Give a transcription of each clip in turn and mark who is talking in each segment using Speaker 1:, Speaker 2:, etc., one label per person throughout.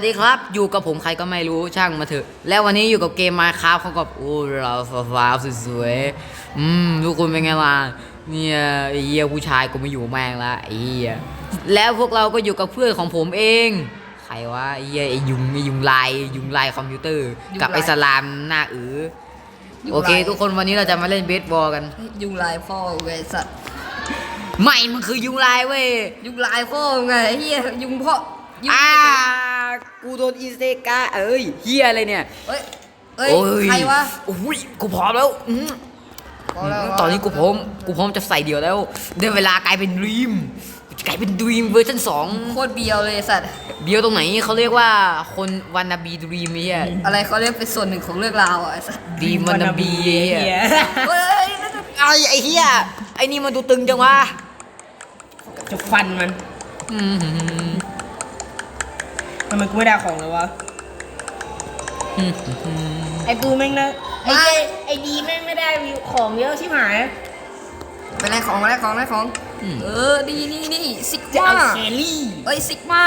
Speaker 1: สวัสดีครับอยู่กับผมใครก็ไม่รู้ช่างมาเถอะแล้ววันนี้อยู่กับเกม Minecraft เขากับเราฟ้าสวยๆทุกคนเป็นไงล่ะเนี่ยไอ้เหี้ยผู้ชายกูไม่อยู่แม่งละไอ้เหี้ยแล้วพวกเราก็อยู่กับเพื่อนของผมเองใครวะไอ้เหี้ยไอ้ยุงลายคอมพิวเตอร์กับไอ้สลามหน้าโอเคทุกคนวันนี้เราจะมาเล่นเบสบอลกัน
Speaker 2: ยุงลายพ่อไงสัตว์
Speaker 1: ไม่มันคือยุงลายเว้ย
Speaker 2: ยุงลายพ่อไงเฮียยุงพ่อ
Speaker 1: กูโดนอิเซกะเฮียอะไรเนี่ย
Speaker 2: เฮ้ยใครวะ
Speaker 1: โอ้ยกูพร้อมแล้วตอนนี้กูพร้อมจะใส่เดี่ยวแล้วได้เวลากลายเป็นดรีมเวอร์ชัน2
Speaker 2: โคตรเบียวเลยสัตว์
Speaker 1: เบียวตรงไหนเขาเรียกว่าคนวันนาบีดรีมไอ้เหี้ย
Speaker 2: อะไรเขาเรียกเป็นส่วนหนึ่งของเรื่องราวอ่ะสัตว์
Speaker 1: ดีวันนาบีเฮ้ยไอ้เหี้ยไอ้นี่มันดูตึงจังวะ
Speaker 3: จะฟันมันทำไมกูไม่ได้ของเลยวะไอ้กูแม่งนะไอ้ดีแม่งไม่ได้ของเยอะชิบหาย
Speaker 2: ไปไล่ของดีนี่ซิกมา
Speaker 3: เคลลี่
Speaker 2: ซิกมา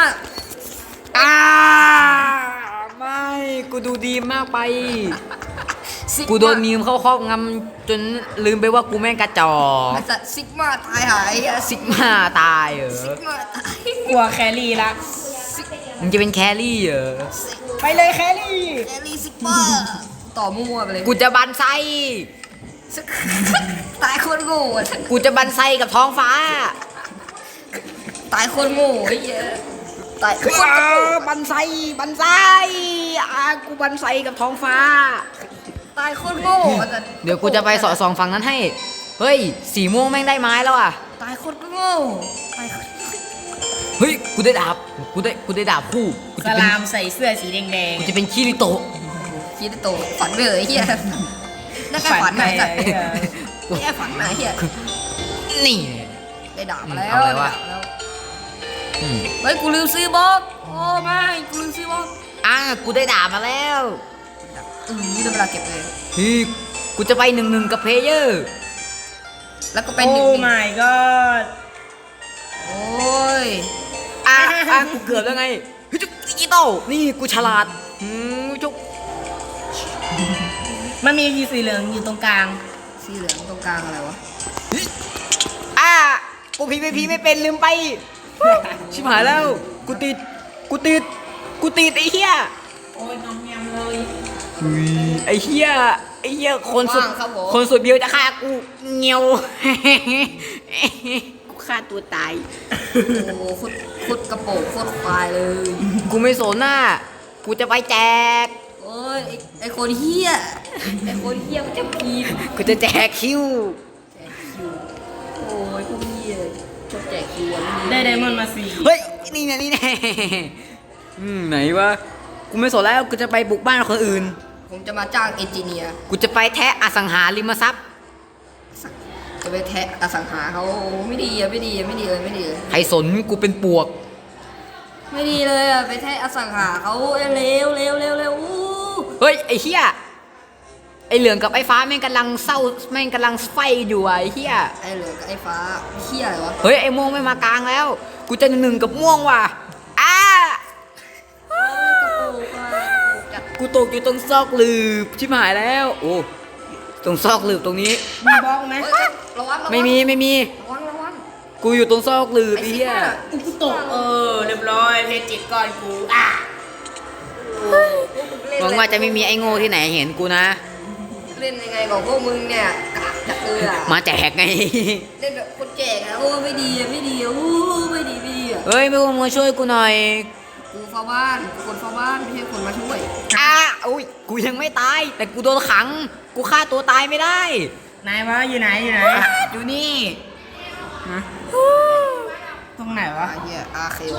Speaker 1: ไม่กูดูดีมากไปกูโดนมีมเข้าครอบงำจนลืมไปว่ากูแม่งกระจอก
Speaker 2: ซิกมาตายหาย
Speaker 1: ซิกมาตาย
Speaker 2: ซิกมาตาย
Speaker 3: กลัวแคลรี่ละ
Speaker 1: มึงจะเป็นแครี่
Speaker 3: ไปเลยแคลรี่
Speaker 2: ซิกมาต่อมั่วไปเลย
Speaker 1: กูจะบันไซ
Speaker 2: ตายคนโง่
Speaker 1: กูจะบันไซกับท้องฟ้า
Speaker 2: ตายคนโง่ไอ้เหี้ยตาย
Speaker 1: บันไซกูบันไซกับท้องฟ้า
Speaker 2: ตายคนโง่
Speaker 1: เดี๋ยวกูจะไปสอดส่องฝั่งนั้นให้เฮ้ยสีม่วงแม่งได้ไม้แล้วอ่ะ
Speaker 2: ตายคนโง่
Speaker 1: เฮ้ยกูได้ดาบกูได้ดาบคู่
Speaker 3: สลามใส่เสื้อสีแดง
Speaker 1: กูจะเป็นคิริโตะ
Speaker 2: ฝันไปเลยเฮียนั่นแค่ฝันไหนแค่ฝันไหนเฮีย
Speaker 1: นี่
Speaker 2: ได้ดาบมาแล้วเฮ้ยกูลืมซื้อบล็อกโอ้ไม่กูลืมซื้อบล็อก
Speaker 1: กูได้ดาบมาแล้ว
Speaker 2: นี่ได้เวลาเก็บเลย
Speaker 1: กูจะไป1-1กับเพลเยอร์
Speaker 2: แล้วก็เป็น
Speaker 3: โอ้ my god
Speaker 2: โอ้ย
Speaker 1: กูเกือบแล้วไงจุ๊กดิจิตอลนี่กูฉลาดจุ๊ก
Speaker 3: มันมีสีเหลืองอยู่ตรงกลาง
Speaker 2: สีเหลืองตรงกลางอะไรวะ
Speaker 1: กูพีไม่เป็นลืมไปชิบหายแล้วกูติดไอ้เหี้ย
Speaker 3: โอ้ยน้องแงมเลย
Speaker 1: ไอ้เหี้ยคนสุดเบียวจะฆ่ากูเงียวกูฆ่าตัวตาย
Speaker 2: โอ้โคตรกระโปงโคตรควายเลย
Speaker 1: กูไม่สนน่ะกูจะไปแจก
Speaker 2: โอ้ยไอคนเหี้ยมันจะพีน
Speaker 1: กูจะแจกคิว
Speaker 2: โอ้ยพวกเหี้ยชอบแจกคิว
Speaker 3: ได้ไดมอนด์มา4
Speaker 1: เฮ้ยนี่แน่ไหนวะกูไม่สนแล้วกูจะไปบุกบ้านคนอื่น
Speaker 2: ผมจะมาจ้างเอนจิเนียร์
Speaker 1: กูจะไปแทะอสังหาริมทรัพย์
Speaker 2: จะไปแทะอสังหาเขาไม่ดีเลย
Speaker 1: ใครสนกูเป็นปวก
Speaker 2: ไม่ดีเลยไปแทะอสังหาเขาเร็ว
Speaker 1: เฮ้ยไอ้เหี้ยไอ้เหลืองกับไอ้ฟ้าแม่งกำลังเศร้าแม่งกำลังไฟอยู่ไอ้เหี้ย
Speaker 2: ไอ้เหลืองกับไอ้ฟ้าเหี้ยอะไรวะ
Speaker 1: เฮ้ยไอ้ม่วงไม่มากลางแล้วกูจะ1กับม่วงว่ะกูตกอยู่ตรงซอกหลืบชิบหายแล้วโอ้ตรงซอกหลืบตรงนี้
Speaker 3: มีบล็อกไหม
Speaker 2: ระวัง
Speaker 1: ไม่มี
Speaker 2: ระวัง
Speaker 1: กูอยู่ตรงซอกหลืบไอ้เหี้ย
Speaker 3: กูตกเรียบร้อยเพชรจิตก้อนกู
Speaker 1: หวังว่าจะไม่มีไอ้โง่ที่ไหนเห็นกูนะ
Speaker 2: เล่นยังไงกับพวกมึงเนี่ยกะ
Speaker 1: มาแจกไง
Speaker 2: เล่นแบบคนแจกโอ้ไม่ดีไม่ดี
Speaker 1: เฮ้ยไม่มาช่วยกูหน่อย
Speaker 2: กูเฝ้าบ้านคนเฝ้าบ้านไม่ใช่คนมาช่วย
Speaker 1: อุ้ยกูยังไม่ตายแต่กูโดนขังกูฆ่าตัวตายไม่ได้
Speaker 3: นายวะอยู่ไหน
Speaker 1: อยู่นี่
Speaker 3: ตรงไหนวะ
Speaker 2: เคโอ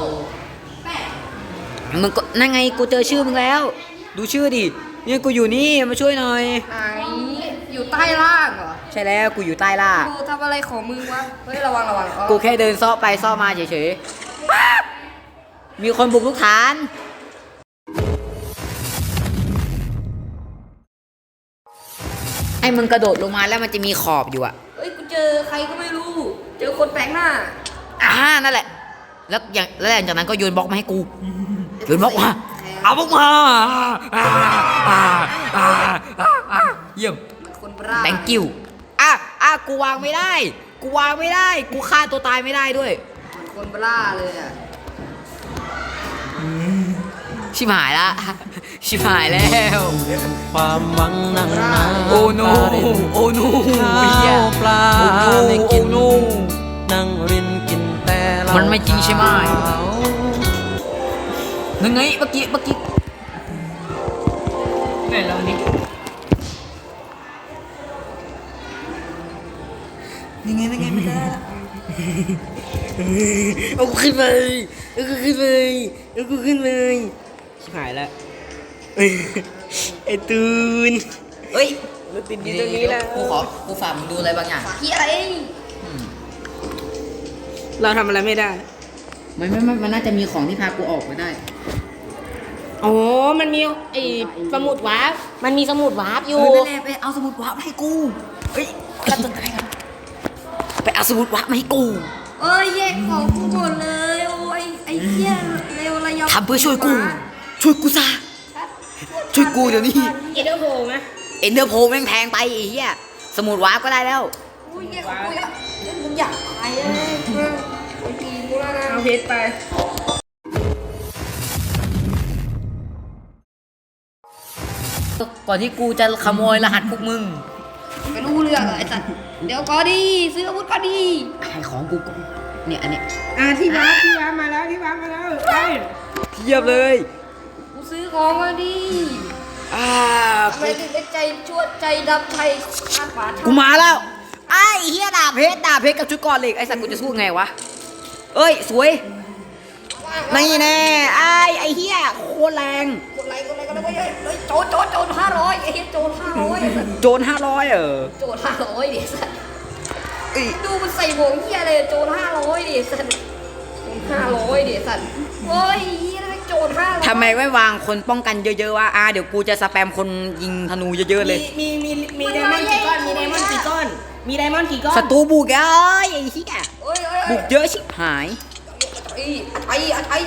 Speaker 1: มึงก็นั่งไงกูเจอชื่อมึงแล้วดูชื่อดิเนี่ยกูอยู่นี่มาช่วยหน่อย
Speaker 2: ไหนอยู่ใต้ล่างเหรอ
Speaker 1: ใช่แล้วกูอยู่ใต้ล่าง
Speaker 2: กูทำอะไรของมึงวะเฮ้ยระวัง
Speaker 1: กูแค่เดินซ้อไปซ้อมาเฉยๆมีคนบุกลูกฐานไอ้มึงกระโดดลงมาแล้วมันจะมีขอบอยู่อะ
Speaker 2: เฮ้ยกูเจอใครก็ไม่รู้เจอคนแปลกหน้า
Speaker 1: นั่นแหละแล้วหลังจากนั้นก็โยนบล็อกมาให้กูโยนบล็อกมาเอาพวกมาเยี่ยม
Speaker 2: คนบ้า
Speaker 1: thank you กูวางไม่ได้ กูวางไม่ได้ กูฆ่าตัวตายไม่ได้ด้วย
Speaker 2: คนบ้าเลยอ่ะ
Speaker 1: ชิบหายละ ชิบหายแล้ว
Speaker 4: ความหวังนั่งนา
Speaker 1: โอ้โนโอ้โน
Speaker 4: ข้า
Speaker 1: เหี้ยว
Speaker 4: ปลา
Speaker 1: โอ้โน
Speaker 4: ไม่กิน
Speaker 1: โอ้โน
Speaker 4: นั่งรินกินแต่เหล้า
Speaker 1: มันไม่จริงใช่ไหม
Speaker 4: ขาว
Speaker 1: นึงไงเมื่อกี้
Speaker 3: ไหนลองดิ
Speaker 1: ยังไงไม่ได้เอากูขึ้นเลยเอากูขึ้นเลยเอากูขึ้นเลยชิบหายแล้วไอ้ตูนเฮ้ย
Speaker 3: มันติดอยู่ตรงนี้แล้ว
Speaker 1: กูฝากมึงดูอะไรบางอย่าง
Speaker 2: เฮียอะไร
Speaker 3: เราทำอะไรไม่ได้
Speaker 1: มันน่าจะมีของที่พากูออกไปได้
Speaker 3: อ๋อ มันมีไอ้สมุดวาร์ปมันมีสมุดวาร์ปอยู่
Speaker 1: นั่นแหละไปเอาสมุดวาร์ปมาให้กู เฮ้ยกระตุ้นใจกันไปเอาสมุดวาร์ปมาให้กู
Speaker 2: เอ้ยแยกของกูหมดเลยโอ้ยไอ้เหี้ยเร็วระยำ
Speaker 1: ทำเพื่อช่วยกู ช่วยกูซะ ช่วยกูเดี๋ยวนี้
Speaker 3: เอเดอร์โฮไหม
Speaker 1: เอ็นเดอร์โพแม่งแพงไปไอ้เหี้ย สมุดวาร์ปก็ได้แล้ว
Speaker 2: กูแยกของกูอะมึงอยากตายเลยไอ้ตีกูแล้วนะ
Speaker 3: เอาเพชรไป
Speaker 1: ก่อนที่กูจะขโมยรหัสพวกมึง
Speaker 2: ไม่รู้เรื่องอะไอ้สัตว์เดี๋ยวก็ดีซื้ออาวุธก็ดี
Speaker 1: ให้ของกูก่อนเนี่ยอันเนี้ย
Speaker 3: ที่วาร์ปมาแล้วไป
Speaker 1: เทียบเลย
Speaker 2: กูซื้อของก็ดี ทำไมถึงได้ใจชั่วใจดำใจขาดฝา
Speaker 1: กูมาแล้ว ไอ้เฮียดาบเพชรกับชุดก่อนเหล็กไอ้สัตว์กูจะสู้ไงวะ เอ้ยสวยนี่แน่ไอ้เฮียโคตรแรง
Speaker 2: กดไลค์เฮ้ยโจร500ไอ้เหี้ยโจร500
Speaker 1: โจร500
Speaker 2: โจร500ดิสัตว์
Speaker 1: เอ้ย
Speaker 2: ดูมันใส่หมวกเหี้ยเลยโจร500ดิสัตว์500ดิสัตว์เฮ้ยเหี้ยโจร500
Speaker 1: ทำไมไม่วางคนป้องกันเยอะๆวะเดี๋ยวกูจะสแปมคนยิงธนูเยอะๆเลย
Speaker 3: มีไดมอนด์กี่ก้อนมีไดมอนด์กี่ก้อน
Speaker 1: ศัตรูบุกเอ้ยไอ้เฮีย
Speaker 2: เฮ้ย
Speaker 1: บุกเยอะชิบหาย
Speaker 2: ไอ้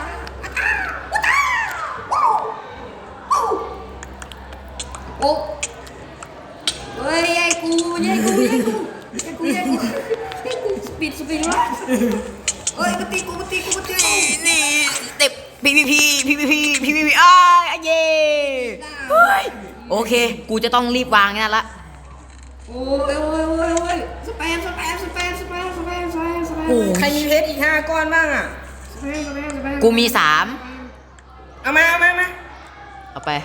Speaker 2: โอ้เฮ้ยไอ้กูสปีดวะเฮ้ยมาตีกู
Speaker 1: นี่เต็มPVP อ้ายอะเย่เฮ้ยโอเค กูจะต้องรีบวางนั่นละ
Speaker 2: โอ้ยสแปม
Speaker 1: โอ้
Speaker 3: ใครมีเพชรอีก5ก้อนบ้างอ่ะ
Speaker 1: กูมี3
Speaker 3: เอามา
Speaker 1: เอาไป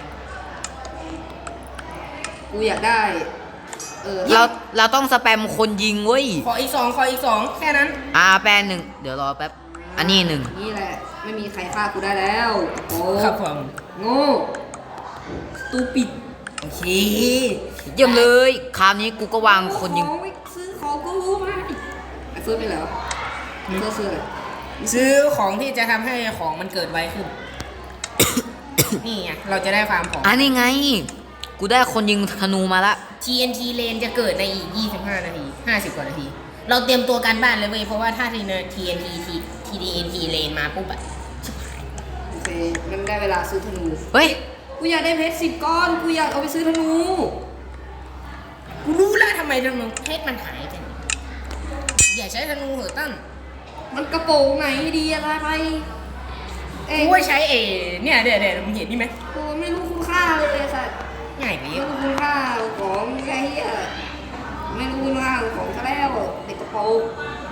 Speaker 2: กูอยากได้
Speaker 1: เราต้องสแปมคนยิงเว้ย
Speaker 3: ขออีก2แค่นั้น
Speaker 1: แป๊บหนึ่งเดี๋ยวรอแป๊บ อันนี้1
Speaker 2: นี่แหละไม่มีใครฆ่ากูได้แล้วโอ้
Speaker 3: ครับผม
Speaker 2: โง่ตูปิด
Speaker 3: โอเค
Speaker 1: เยี่ยมเลย คราวนี้กูก็วางคนยิง
Speaker 2: ซื้อของกูรู้ไหมไอ้เฟิร์สไปแล้วซื้ออะไร
Speaker 3: ซื้อของที่จะทำให้ของมันเกิดไวขึ้น นี่ไงเราจะได้ฟาร์มของ
Speaker 1: นี่ไง กูได้คนยิงธนูมาละ
Speaker 3: TNT เลนจะเกิดในอีก25 นาที 50 กว่านาที เราเตรียมตัวการบ้านเลยเว้ยเพราะว่าถ้าTNT เลนมาปุ๊บอะ
Speaker 2: โอเคมันได้เวลาซื้อธนู
Speaker 1: เฮ้ย
Speaker 2: กูอยากได้เพชร10 ก้อนกูอยากเอาไปซื้อธนู
Speaker 3: กูรู้แล้วทำไมธนูเพชรมันหายไปอย่าใช้ธนูเหอะตั้น
Speaker 2: มันกระโปรงไหนดีอะไรไปเอ้ย
Speaker 3: กูว่าใช้เนี่ยเดี๋ยวมึงเห็นนี่ไหม
Speaker 2: กูไม่รู้คุณค่าเลยไอ้สัตว์
Speaker 3: ง่ายไป
Speaker 2: ไม่
Speaker 3: เยอะ
Speaker 2: รู้คุณค่าของไอ้เหี้ยไม่รู้คุณค่าของซะแล้วเด็กกระโปรง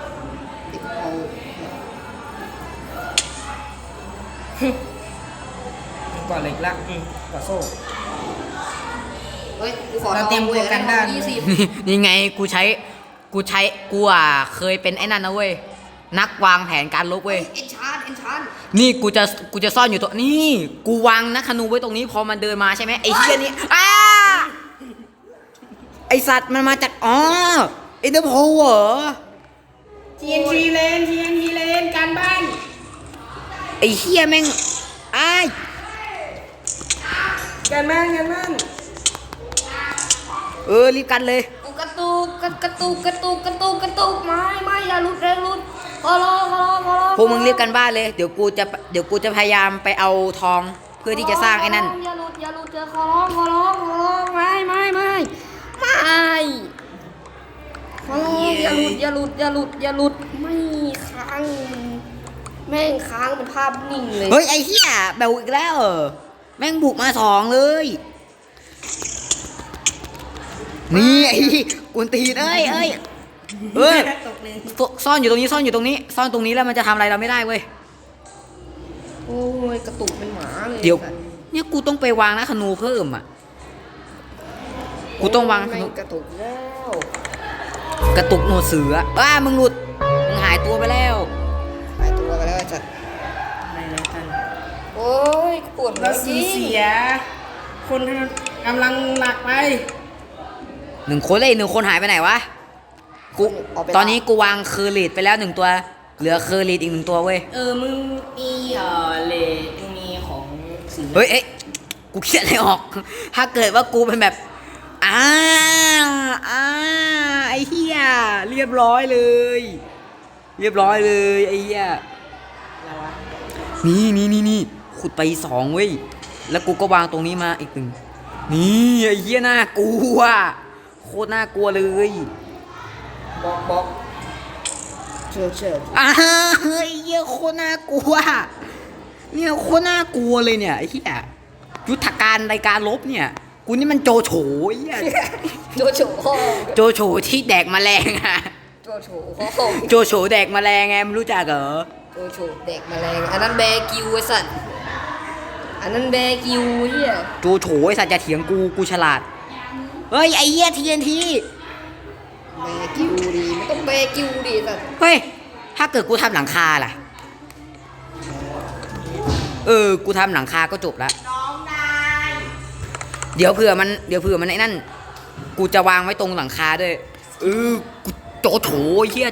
Speaker 3: ก่อนเหล็กละก่อโซ่
Speaker 2: เฮ้ยกูขอ
Speaker 3: เราเตรียมตัวกันได้
Speaker 2: 20
Speaker 1: นี่ไงกูเคยเป็นไอ้นั่นนะเว้ย นักวางแผนการลบเว้ย
Speaker 2: เอ็นชาน
Speaker 1: นี่กูจะซ่อนอยู่ตัวนี่กูวางนักธนูไว้ตรงนี้พอมันเดินมาใช่ไหมไอ้เหี้ยนี่ไอสัตว์มันมาจากเอเดอร์โพเหรอ
Speaker 3: TNT เลนการบ้าน
Speaker 1: ไอ้เหี้ยแม่ง
Speaker 3: การบ้าน
Speaker 1: รีบกันเลย
Speaker 2: กูกระตุกไม่อย่าหลุดขอร้อง
Speaker 1: พวกมึงรีบกันบ้านเลยเดี๋ยวกูจะพยายามไปเอาทองเพื่อที่จะสร้างไอ้นั่น
Speaker 2: อย่าหลุดเจอขอร้องไม่ขอร้องอย่าหลุดไม่ค้างแม่งค้างเป็นภาพนิ่งเลย
Speaker 1: เฮ้ยไอ้เหี้ยแบบอีกแล้วเหรอแม่งบุกมา2เลยนี่ไอ้กวนตีนเอ้ยซ่อนอยู่ตรงนี้ซ่อนตรงนี้แล้วมันจะทำอะไรเราไม่ได้เว้ย
Speaker 2: โอ้ยกระตุกเป็นหมาเลย
Speaker 1: เดี๋ยวเนี่ยกูต้องไปวางนะธนูเพิ่มอ่ะกูต้องวางธ
Speaker 2: แม่
Speaker 1: นู
Speaker 2: งกระตุกแล้ว
Speaker 1: กระตุกหนวดเสือมึงหลุดมึงหายตัวไปแล้ว
Speaker 2: หายตัวไปแล้วจัด
Speaker 3: อะไรนะท่าน
Speaker 2: โอ้ยปวดหัว
Speaker 3: เรา
Speaker 2: จ
Speaker 3: สู
Speaker 2: ริ
Speaker 3: ญ
Speaker 2: ง
Speaker 3: เสีย คนกำลังหนักไป
Speaker 1: 1 คนเลยอีก1 คนหายไปไหนวะกูตอนนี้กูวางเคอร์ลิตไปแล้ว1 ตัวเหลือเคอร์ลิตอีก1 ตัวเว้ย
Speaker 3: มึงมีเลดมึงมีของสี
Speaker 1: เฮ้ยกูเขียนอะไรออก ถ้าเกิดว่ากูเป็นแบบไอ้เหี้ยเรียบร้อยเลยไอ้เหี้ย
Speaker 3: อะไรวะ
Speaker 1: นี่ขุดไป2เว้ยแล้วกูก็วางตรงนี้มาอีก1นี่ไอ้เหี้ยน่ากลัวโคตรน่ากลัวเลย
Speaker 2: บล็อกเชิญ
Speaker 1: เฮ้ยเหี้ยโคตรน่ากลัวเนี่ยโคตรน่ากลัวเลยเนี่ยไอ้เหี้ยยุทธการในการลบเนี่ยกูนี่มันโจโฉไอ้เหี้ย
Speaker 2: โจโฉห้อง
Speaker 1: โจโฉที่แดกแมลงอะ
Speaker 2: โจโฉห้อง
Speaker 1: โจโฉแดกแมลงไงไม่รู้จักเหรอ
Speaker 2: โจโฉเด็กแมลงอันนั้นแบกิวไอ้สัตว์อันนั้นแบกิวเฮีย
Speaker 1: โจโฉไอ้สัตว์จะเถียงกูฉลาดเฮ้ยไอ้เหี้ย TNT
Speaker 2: แบกิวดีไม่ต้องแบกิวดีสัตว์
Speaker 1: เฮ้ยถ้าเกิดกูทำหลังคาล่ะกูทำหลังคาก็จบละเดี๋ยวเผื่อมันไอ้นั่นกูจะวางไว้ตรงหลังคาด้วยกูโจโฉไอ้เหี้ย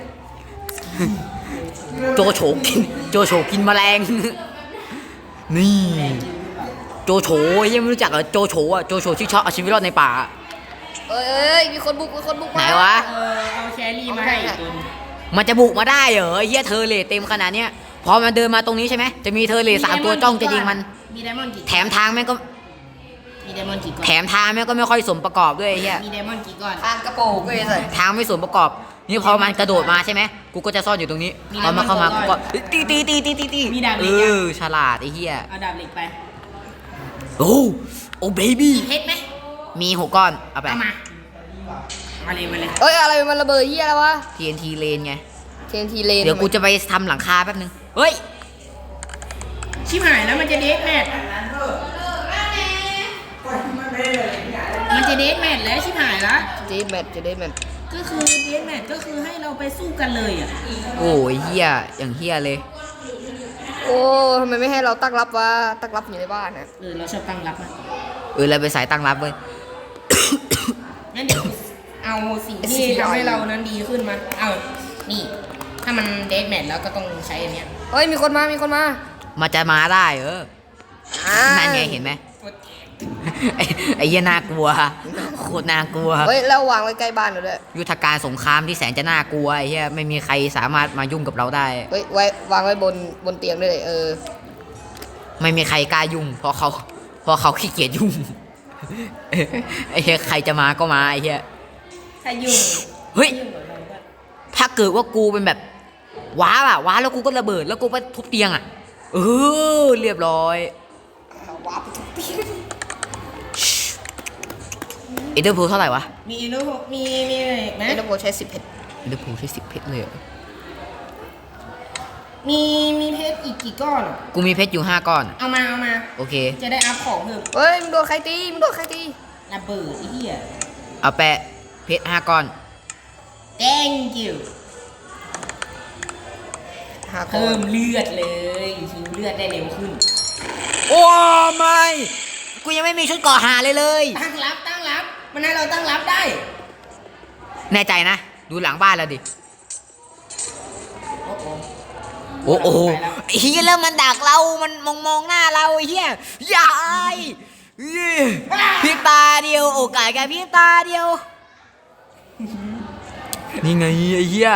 Speaker 1: โจโฉกินแมลงนี่โจโฉไอ้เหี้ยไม่รู้จักเหรอโจโฉที่ชอบเอาชีวิตรอดในป่า
Speaker 2: เอ้ยมีคนบุก
Speaker 1: ไหน
Speaker 2: มาว
Speaker 1: ะ
Speaker 3: เอาแครี่มาให้อีกตัวหนึ่ง
Speaker 1: มันจะบุกมาได้เหรอไอ้เหี้ยเธอเลทเต็มขนาดเนี้ยพอมันเดินมาตรงนี้ใช่ไหมจะมีเธอเลท3 ตัวจ้องจะยิงมัน
Speaker 3: มีไดมอนด์กี่
Speaker 1: แถมทางแม่งก็
Speaker 3: มีไดมอนด์กี่ก้อน
Speaker 1: แถมทางแม่งก็ไม่ค่อยสมประกอบด้วยไอ้เหี้ย
Speaker 3: มีไดมอนด์กี่ก้อน
Speaker 2: ทางกระโปรงไอ้สัตว์
Speaker 1: ทางไม่สมประกอบนี่พอมันกระโดดมาใช่ไหมกูก็จะซ่อนอยู่ตรงนี้พอมันเข้ามากูก็ตีฉลาดไอ้เหี้ย
Speaker 3: เอาดาบเหล็กไป
Speaker 1: โอ้เบบี้
Speaker 3: เพชรไหม
Speaker 1: มี6 ก้อนเอาไป
Speaker 3: เอามามาเลย
Speaker 2: เอ้ยอะไรมันระเบิดเฮียอะไรวะ
Speaker 1: TNT เลนไง
Speaker 2: TNT เลน
Speaker 1: เดี๋ยวกูจะไปทำหลังคาแป๊บนึงเฮ้ย
Speaker 3: ชิบหายแล้วมันจะเดทแมทมันจะเดทแมทแล้วชิบหายละ
Speaker 2: จะได้แมท
Speaker 3: ก็คือเดทแมทก็คือให้เราไปสู้กันเลยอ่ะ
Speaker 1: โอ้ยเหี้ยอย่างเหี้ยเลย
Speaker 2: โอ้ทำไมไม่ให้เราตั้งรับวะตั้งรับอยู่ในบ้านนะ
Speaker 3: เราชอบตั้งรับนะ
Speaker 1: เราไปสายตั้งรับเว้ย
Speaker 3: งั้นเดี๋ยวเอาสิ่งที่ทำให้เรานั้นดีขึ้นมาเอานี่ ถ้ามันเดทแมทแล้วก็ต้องใช้อันเนี้ย
Speaker 2: เฮ้ยมีคนมา
Speaker 1: มันจะมาได้เหรอ
Speaker 2: อ่า
Speaker 1: นั่นไงเห็นไหม ไอ้เหี้ยน่ากลัวโคตรน่ากลัว
Speaker 2: เฮ้ยแล้ววางไว้ใกล้บ้านเราด้วย
Speaker 1: ยุทธการสงครามที่แสนจะน่ากลัวไอ้เหี้ยไม่มีใครสามารถมายุ่งกับเราได้
Speaker 2: เฮ้ยวางไว้บนเตียงด้วย
Speaker 1: ไม่มีใครกล้ายุ่งเพราะเขาขี้เกียจยุ่ง ไอ้เหี้ยใครจะมาก็มาไอ้เหี้ย
Speaker 3: ถ้ายุ่ง
Speaker 1: เฮ้ย
Speaker 3: ยุ่งกับเราก็
Speaker 1: ถ้าเกิดว่ากูเป็นแบบว้าแล้วกูก็ระเบิดแล้วกูไปทุบเตียงเรียบร้อย
Speaker 2: ว้าไปทุกที
Speaker 1: เอเดอร์พูเท่าไหร่วะ
Speaker 3: มีอินโนมีอะไรอีกไหม
Speaker 2: เอ็นโดใช้10เพชร
Speaker 1: เอเดอร์พูใช้10 เพชรเลยเหรอ
Speaker 3: มีเพชรอีกกี่ก้อนอะ
Speaker 1: กูมีเพชรอยู่5 ก้อน
Speaker 3: เอามา
Speaker 1: โอเค
Speaker 3: จะได้อัพของเพิ่ม
Speaker 2: เฮ้ยมึงโดนใครตี
Speaker 3: ระเบิดไอ้เหี้ย
Speaker 1: เอาแปะเพชร5 ก้อน
Speaker 3: thank you
Speaker 2: หาค
Speaker 3: เพิ่
Speaker 2: น
Speaker 3: มเลือดเลยฮิวเลือดได้เร็วขึ้น
Speaker 1: โอ้ไม่กูยังไม่มีชุดก่อหาเลย
Speaker 3: ตั้งรับมันให้เราตั้งรับได้
Speaker 1: แน่ใจนะ ดูหลังบ้านแล้วดิ
Speaker 3: โอ้โห
Speaker 1: โอ้โห
Speaker 3: ไปแล้ว
Speaker 1: ไอ้เฮียแล้วมันดักเรา มันมองหน้าเราไอ้เฮียยายพริบตาเดียวโอกาสแค่พริบตาเดียว นี่ไงไอ้เฮีย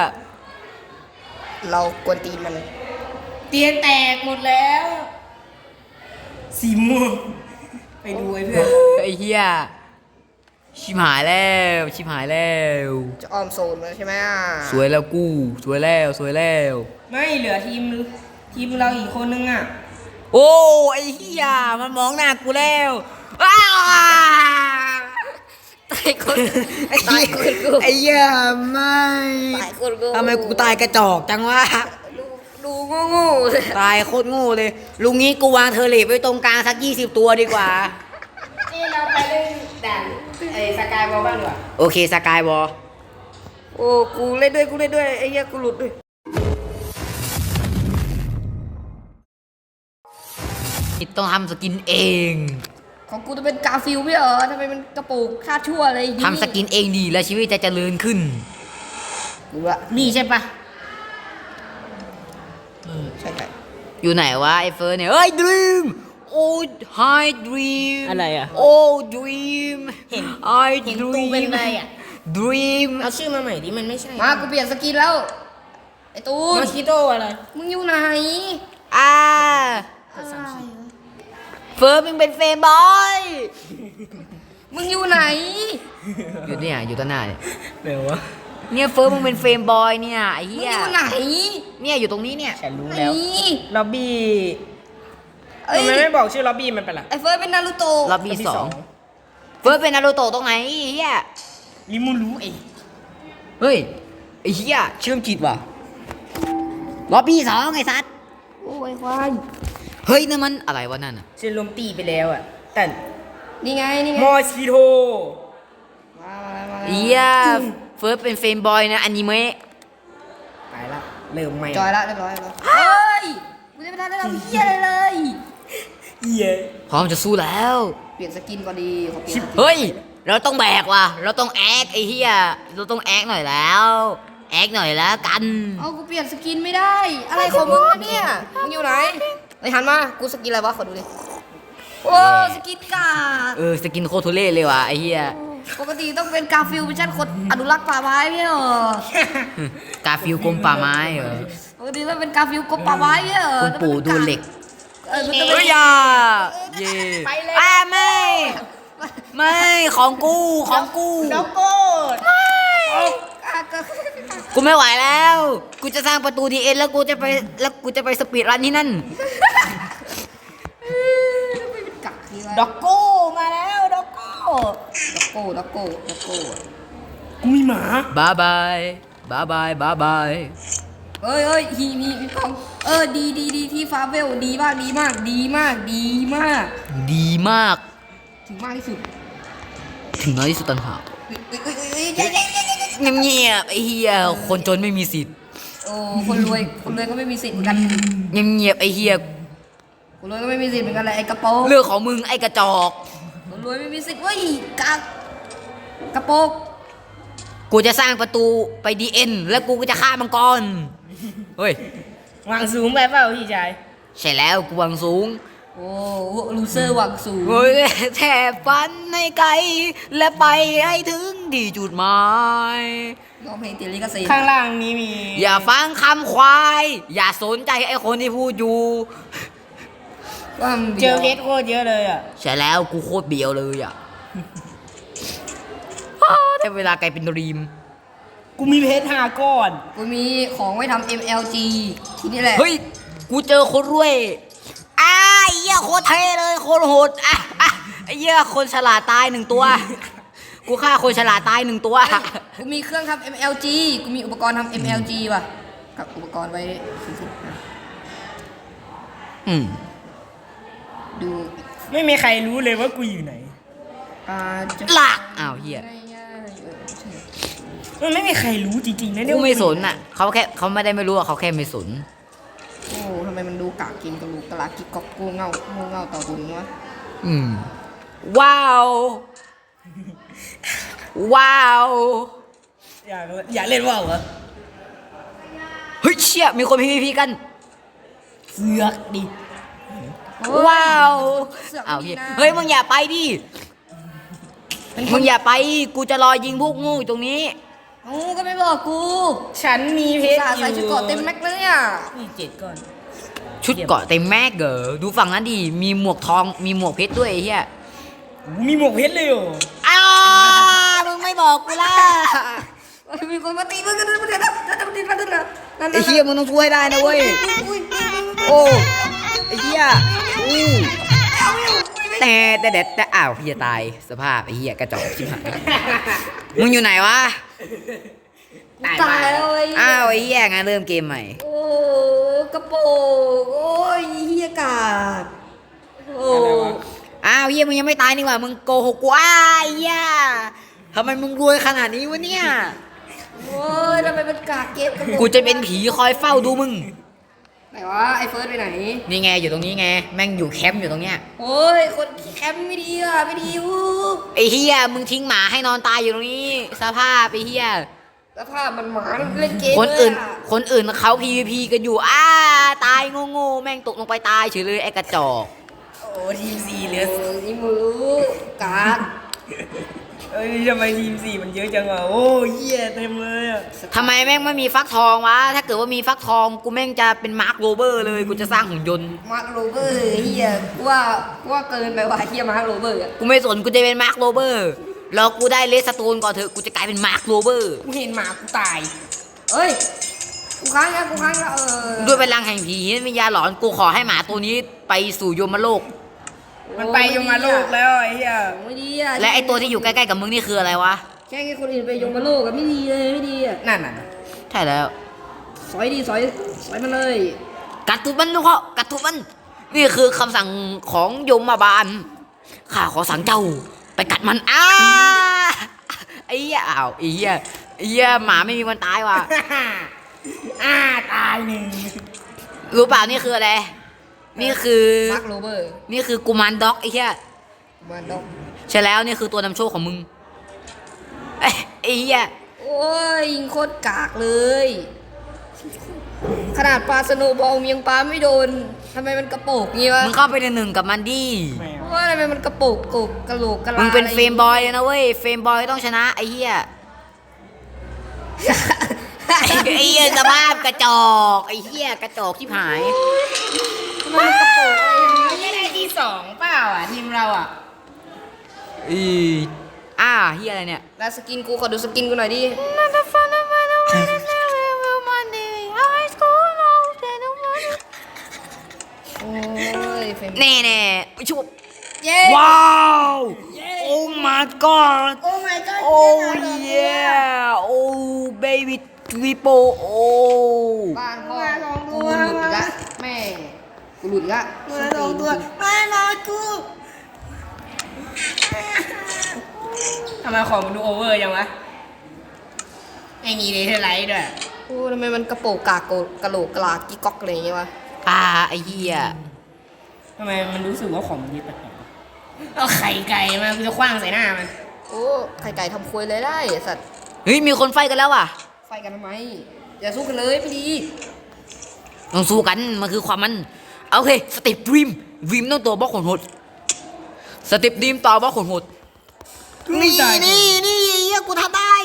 Speaker 2: เรากวนตีนมัน
Speaker 3: เตียงแตกหมดแล้วสีม่วงไปดูไอ้เพื่อน
Speaker 1: ไอ้เหี้ยชิบหายแล้วชิบหายแล้ว
Speaker 2: จะออมโซนแล้วใช่ไหมอ่ะ
Speaker 1: สวยแล้วกูสวยแล้วสวยแล้ว
Speaker 3: ไม่เหลือทีมเราอีกคนนึงอ่ะ
Speaker 1: โอ้ไอ้เหี้ยมันมองหน้ากูแล้วอ้าตายคนไอ้เหี้ยไอ้เหี้ยไม่
Speaker 2: ตายคนกู
Speaker 1: ทำไมกูตายกระจอกจังวะ
Speaker 2: ดูโง่ๆเลย
Speaker 1: ตายโคตรโง่เลยลุงนี้กูวางเทอร์เลปไว้ตรงกลางสัก20 ตัวดีกว่า
Speaker 3: นี่เราไปเล่นด่านไอ้สกายบอลบ้างดีกว่า
Speaker 1: โอเคสกายวอล
Speaker 2: โอ้กูเล่นด้วยไอ้เหี้ยกูหลุดด้วย
Speaker 1: ต้องทำสกินเอง
Speaker 2: ของกูจะเป็นกาฟิลไม่เหรอทำไมมันกระปุกค่าชั่วอะไรอย่างงี้
Speaker 1: ทำสกินเองดีแล้วชีวิตจะเจริญขึ้น
Speaker 2: กูละ
Speaker 3: นี่ใช่ปะ
Speaker 2: ใช่
Speaker 1: อยู่ไหนวะไอ้เฟิร์นเนี่ยเอ้ยดรีมโอ้ไฮดรีม
Speaker 3: อะไรอ่ะ
Speaker 1: โอ้ดรีม
Speaker 3: เห็น
Speaker 1: ไอ
Speaker 3: เห็น
Speaker 1: ด
Speaker 3: ตู
Speaker 1: รี
Speaker 3: เป็น
Speaker 1: ม
Speaker 3: ไรอ่ะ
Speaker 1: ดรีม
Speaker 3: เอาชื่อมาใหม่ดิมันไม่ใช่
Speaker 2: มากูเปลี่ยนสกินแล้วไอ้ตูน
Speaker 3: มาคิโตอะไร
Speaker 2: มึงอยู่ไหน
Speaker 1: อ่าเฟิร์นมึงเป็นเฟรมบอย
Speaker 2: มึงอยู่ไหน
Speaker 1: อยู่เนี่ยอยู่ต้นหน้าเนี่ย
Speaker 3: เดี๋ยววะ
Speaker 1: เนี่ยเฟิร์นมึงเป็นเฟรมบอยเนี่ยไอ้
Speaker 2: มึง
Speaker 1: เหี้
Speaker 2: อย ยู่ไหน
Speaker 1: เนี่ยอยู่ตรงนี้เนี่ย
Speaker 3: ฉันรู้แล้ว
Speaker 2: นี่
Speaker 3: ล็อบบี้
Speaker 2: เอ้ย
Speaker 3: ทำไมไม่บอกชื่อล็อบบี้มันเป็นไร
Speaker 2: ไอ้เฟิร์สเป็นนารูโตะ
Speaker 1: ล็อบบี้2เฟิร์นเป็นนารูโตะตรงไหนไอ้เหี้ย
Speaker 3: ลิมูรู้เอง
Speaker 1: เฮ้ยไอ้เหี้ยเชื่อมจิตว่ะล็อบบี้2ไอ้สัส
Speaker 2: โอ้ยควาย
Speaker 1: เฮ้ยนั่นมันอะไรวะนั่นอ่ะ
Speaker 3: ชื่อลมตีไปแล้วอ่ะแต่
Speaker 2: นี่ไง
Speaker 3: มอสคิโต
Speaker 2: มาแล้ว
Speaker 1: เหี้ยเฟิร์สเป็นเฟรมบอยนะอนิเมะ
Speaker 3: ไปละเริ่มใหม่
Speaker 2: จอยละเรียบร้อยแล้วเฮ้ยกูจะไม่ทันได้ทำเหี้ยอะไรเลย
Speaker 3: เหี้ย
Speaker 1: พร้อมจะสู้แล้ว
Speaker 2: เปลี่ยนสกินก็ดีขอเปลี่ยนสกิน
Speaker 1: เฮ้ย เราต้องแบกว่ะ เราต้องแอคไอ้เหี้ย เราต้องแอคหน่อยแล้ว แอคหน่อยแล้วกัน
Speaker 2: เอากูเปลี่ยนสกินไม่ได้ อะไรของมึงวะเนี่ย มึงอยู่ไหนไอ้หันมา กูสกินอะไรวะขอดูดิโอ้สกินกาด
Speaker 1: สกินโคตรทุเล่เลยว่ะไอ้เหี้ย
Speaker 2: ปกติต้องเป็นกาฟิลเป็นชั้นคนอนุรักษ์ป่าไม้ไม่ใช่เหรอก
Speaker 1: าฟิลกรมป่าไม้เหรอ
Speaker 2: ปกติต้องเป็นกาฟิลกรมป่าไม้ไม่ใช่เหรอ
Speaker 1: คุณปู่ดูเหล็ก
Speaker 2: มันต้อง
Speaker 1: เฮ้
Speaker 2: เป็
Speaker 1: ย
Speaker 2: น
Speaker 1: อย่าเย่ไม่ ไม่ของกูของกู
Speaker 3: ด็อกโก้
Speaker 1: กูไม่ไหวแล้ว กูจะสร้างประตูดีเอ็นแล้วกูจะไปสปีดรันที่นั่น
Speaker 2: กักทีวะ
Speaker 3: ด็อกโก้มาแล้วด็อกโก้
Speaker 2: ด็อกโก้
Speaker 3: กูมีหมา
Speaker 1: บายบายบายบายบายบาย
Speaker 2: เฮ้ยมีของดีที่ฟาเวลดีมาก
Speaker 1: ดีมาก
Speaker 2: ถึงมากที่สุด
Speaker 1: ถึงน้อยที่สุดต่างหาก
Speaker 2: เฮ้ย
Speaker 1: เงียบๆไอ้เหี้ยคนจนไม่มีสิทธิ์
Speaker 2: โอ้คนรวยก็ไม่มีสิทธิ์เหมือนกัน
Speaker 1: เงียบๆไอ้เหี้ย
Speaker 2: คนรวยก็ไม่มีสิทธิ์เหมือนกันเลยไอ้กระโปรง
Speaker 1: เรื่องของมึงไอ้กระจอก
Speaker 2: คนรวยไม่มีสิทธิ์เว้ยกระโปรง
Speaker 1: กูจะสร้างประตูไปดีเอ็นแล้วกูก็จะฆ่ามังกรเฮ้ยว
Speaker 3: างสูงไปเปล่าพี่ชาย
Speaker 1: ใช่แล้วกูวางสูง
Speaker 2: โอ้ลูเซอร์หวังสูง
Speaker 1: เฮ้ยแทบฝันให้ไกลและไปให้ถึงที่จุดหมาย
Speaker 2: ร้องเพลงติดลิขสิทธิ์
Speaker 3: ข้างล่างนี้มี
Speaker 1: อย่าฟังคำควาย อย่าสนใจไอ้คนที่พูดอยู่
Speaker 2: ว่ามัน
Speaker 3: เจอเพชรโคตรเยอะเลยอ่ะ
Speaker 1: ใช่แล้วกูโคตรเบียวเลยอ่ะแต่เวลากลายเป็นดรีม
Speaker 3: กูมีเพชร5 ก้อน
Speaker 2: กูมีของไว้ทำ MLG ที่นี่แหละ
Speaker 1: เฮ้ย กูเจอคนรวยไอ้เหี้ยโคตรเท่เลยโคตรโหดไอ้เหี้ยคนฉลาดตาย1 ตัว กูฆ่าคนฉลาดตาย1 ตัว
Speaker 2: กูมีเครื่องทำ MLG กูมีอุปกรณ์ทำ MLG ว่ะกับอุปกรณ์ไว้สุดๆนะ
Speaker 1: อืม
Speaker 2: ดู
Speaker 3: ไม่มีใครรู้เลยว่ากูอยู่ไหน
Speaker 2: จะ
Speaker 1: หลักอ้าวเหี้ย
Speaker 2: ง่ายๆใช่
Speaker 3: มันไม่มีใครรู้จริงๆนะเนี่ย
Speaker 1: กูไม่สนอ่ะเขาไม่ได้ไม่รู้อ่ะเขาแค่ไม่สน
Speaker 2: โอ้ทำไมมันดูกากกินกระลูกกระลากิกกอกกูเงาต่อบุญวะ
Speaker 1: อืม ว้าว ว้าว
Speaker 3: อย่าเล่นว่าวเหรอ
Speaker 1: เฮ้ยเชี่ยมีคน PVP กัน
Speaker 3: เสือกดิ
Speaker 1: ว้าว
Speaker 2: เสือก
Speaker 1: อ้าว
Speaker 2: มี
Speaker 1: เหี้ย
Speaker 2: นะ
Speaker 1: เฮ้ยมึงอย่าไปดิมึงอย่าไปกูจะรอยิงพวกงูอยู่ตรงนี้
Speaker 2: โอ้ก็ไม่บอกกู
Speaker 3: ฉันมีเพชร
Speaker 2: สา
Speaker 3: อยู่
Speaker 2: ใส่ชุดเกราะเต็มแม็กเลยเนี่ย
Speaker 3: นี่7 ก้อน
Speaker 1: ชุดเกาะเต็มแม็กเหรอดูฝั่งนั้นดิมีหมวกทองมีหมวกเพชรด้วยไอ้เหี้ย
Speaker 3: มีหมวกเพชรเลยเหรอ
Speaker 1: อ้าวมึงไม่บอกกูล่ะ
Speaker 2: มีคนมาตีมึงกันมาเถอะนะนั่น
Speaker 1: ไอ้เหี้ยมึงต้องช่วยได้นะเว้ยโอ้ไอ้เหี้ยอู้แต่อ้าวเหี้ยตายสภาพไอ้เหี้ยกระจอกชิบหายมึงอยู่ไหนวะ
Speaker 2: ตายแล้วไอ้
Speaker 1: อ้าวไอ้เหี้ยงั้นเริ่มเกมใหม่
Speaker 2: โอ้กระโปงโอ้ยเฮียกาดโอ้
Speaker 1: อ้าวเหี้ยมึงยังไม่ตายนี่หว่ามึงโกหกกูอ้าวไอ้เหี้ยทำไมมึงรวยขนาดนี้วะเนี่ย
Speaker 2: โอ้ยทำไมมันกากเก็บกระโปง
Speaker 1: กูจะเป็นผีคอยเฝ้าดูมึง
Speaker 2: ไหนวะไอ้เฟิร์สไปไหน
Speaker 1: นี่ไงอยู่ตรงนี้ไงแม่งอยู่แคมป์อยู่ตรงเนี้ย
Speaker 2: โอ้ยคนแคมป์ไม่ดีอ่ะไม่ดีอู้
Speaker 1: ไอ้เฮียมึงทิ้งหมาให้นอนตายอยู่ตรงนี้สภาพไอ้เฮีย
Speaker 2: แล้วภาพมันหมาเล่นเกม
Speaker 1: คนอื่น
Speaker 2: เลยะ
Speaker 1: คนอื่นเขา PVP กันอยู่ตายโง่ๆแม่งตกลงไปตายเฉยเลยไอ้กระจอก
Speaker 3: โอ้ทีม4เหลือ
Speaker 2: โอ้ยนี่มือกาก
Speaker 3: เอ้ยทำไมทีม4มันเยอะจังอ่ะโอ้เหี้ยเต็มเลยอ่ะ
Speaker 1: ทำไมแม่งไม่มีฟักทองวะถ้าเกิดว่ามีฟักทองกูแม่งจะเป็นมาร์คโรเบอร์เลยกูจะสร้างหุ่นยนต์
Speaker 2: มาร์คโรเบอร์เฮียว่าเกินไปว่ะเฮียมาร์คโรเบอร์อะ
Speaker 1: กูไม่สนกูจะเป็นมาร์คโรเบอร์รอกูได้เลสโตนก่อนเถอะกูจะกลายเป็นมาร์คโรเบอร์
Speaker 3: กูเห็นหมากูตาย
Speaker 2: เอ้ยกูค้างแล้ว
Speaker 1: ด้วยพลังแห่งผีวิญญาณหลอนกูขอให้หมาตัวนี้ไปสู่ยมโลก
Speaker 3: มันไปยมโลกแล้วไอ้เหี้ย
Speaker 2: ไม่ดีอ่ะ
Speaker 1: และไอตัวที่อยู่ใกล้ๆกับมึงนี่คืออะไรวะ
Speaker 2: แค่ให้คนอื่นไปยงมาโลกอะไม่ดีเลยไม่ดีอ่ะ
Speaker 3: นั่นน่ะ
Speaker 1: ใช่แล้ว
Speaker 2: สอยดีสอยมันเลย
Speaker 1: กัดทุบมันลูกพ่อกัดทุบมันนี่คือคำสั่งของยมบาลข้าขอสั่งเจ้า ไปกัดมันไอ้เหี้ยอ้าวไอ้เหี้ยหมาไม่มีวันตายว่ะ
Speaker 3: ตายหนึ่ง
Speaker 1: รู้เปล่านี่คืออะไรนี่คือ
Speaker 2: มาร์คโรเบอร์
Speaker 1: นี่คือกุมารด็อกไอ้เหี้ย
Speaker 2: มันดอก
Speaker 1: ใช่แล้วนี่คือตัวนำโชคของมึงไอ้เหี้ย
Speaker 2: โอ้ยยิงโคตรกากเลยขนาดปลาสโนว์บอลยังปลาไม่โดนทำไมมันกระโปกงี้วะ
Speaker 1: มึงเข้าไปในหนึ่งกับมันดิ
Speaker 2: ว่าทำไมมันกระโปกกบกระโหลกกระลา
Speaker 1: มึ
Speaker 2: มึ
Speaker 1: งเป็นเฟรมบอยเลยนะเว้ยเฟรมบอยต้องชนะไอ้เหี้ย ไอ้เหี้ยสภาพกระจอกไอ้เหี้ยกระจอกที่หาย
Speaker 2: ทำไมมันกระโปกอะไรอย่าง
Speaker 3: ไม่
Speaker 2: นี้
Speaker 3: ได้ที่2เปล่าอ่ะทีมเราอ่ะ
Speaker 1: เหี้ยอะไรเนี่ย
Speaker 2: แล้วสกินกูขอดูสกินกูหน่อยดิโอ้ยเฟรม
Speaker 1: แน่ชุบ
Speaker 2: เย้
Speaker 1: ว้าว โอ้ my god
Speaker 2: โอ้ my god
Speaker 1: โอ้ yeah โอ้ baby triple โอ้
Speaker 2: บ้านพ่อกูหลุดอีกละแม่กูหลุดอีกละ
Speaker 3: ไม่มากูทำไมของมันดูโอเวอร์จังวะไม่มีเลเทอร์ไลท์ด้วย
Speaker 2: โอ้ทำไมมันกระโปกกากกระโหลกกระลากิ๊กก๊อกอะไรอย่างเงี้ยวะ
Speaker 1: ไอ้เหี้ย
Speaker 3: ทำไมมันรู้สึกว่าของมันเยอะแปลกๆเอาไข่ไก่มากูจะคว้างใส่หน้ามัน
Speaker 2: โอ้ไข่ไก่ทำควยเลยได้สัตว์
Speaker 1: เฮ้ยมีคนไฟกันแล้วว่ะ
Speaker 2: ไฟกันทำไมอย่าสู้กันเลยไม่ดี
Speaker 1: ต้องสู้กันมันคือความมันโอเคสเต็ปดรีมต้องตัวบล็อกขนหดสเต็ปดรีมต่อบล็อกขนหดนี่เหี้ยกูทำได้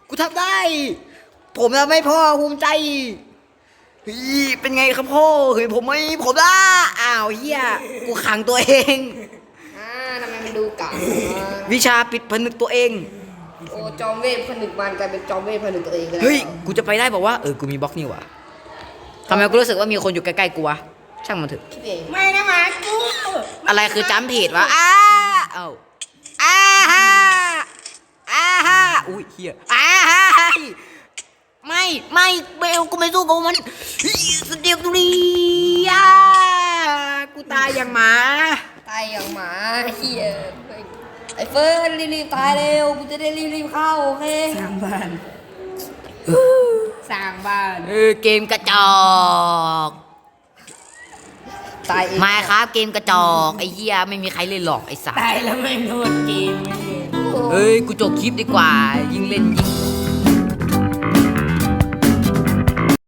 Speaker 1: ผมทำให้พ่อภูมิใจเฮ้ยเป็นไงครับพ่อเฮ้ยผมได้อ้าวเหี้ยกูขังตัวเอง
Speaker 2: ทำไมมันดูกาก
Speaker 1: วิชาปิดผนึกตัวเอง
Speaker 2: โอ้จอมเวทผนึกมันกลายเป็นจอมเวทผนึกตัวเองกัน
Speaker 1: เฮ้ยกูจะไปได้บอกว่ากูมีบล็อกนี่ว่ะทำไมกูรู้สึกว่ามีคนอยู่ใกล้ๆกูวะช่างมันเถอะ
Speaker 2: คิดเอง
Speaker 3: ไม่นะหมากู
Speaker 1: อะไรคือจัมเพจวะอุ้ยเฮียไม่เบลกูไม่สู้กับมันสเตียบตุลีกูตายอย่างหมา
Speaker 2: ตายอย่างหมาเฮียไอ้เฟิร์นรีบๆตายเร็วกูจะได้รีบๆเข้าโอเค
Speaker 3: สร้างบ้าน
Speaker 1: เกมกระจอก
Speaker 2: ตายเอง
Speaker 1: มาครับเกมกระจอกไอ้เหี้ยไม่มีใครเล่นหรอกไอ้สัส
Speaker 3: ตายแล้วไม่โดนเกมไม่เลย
Speaker 1: เฮ้ยกูจบคลิปดีกว่ายิ่งเล่นยิ่ง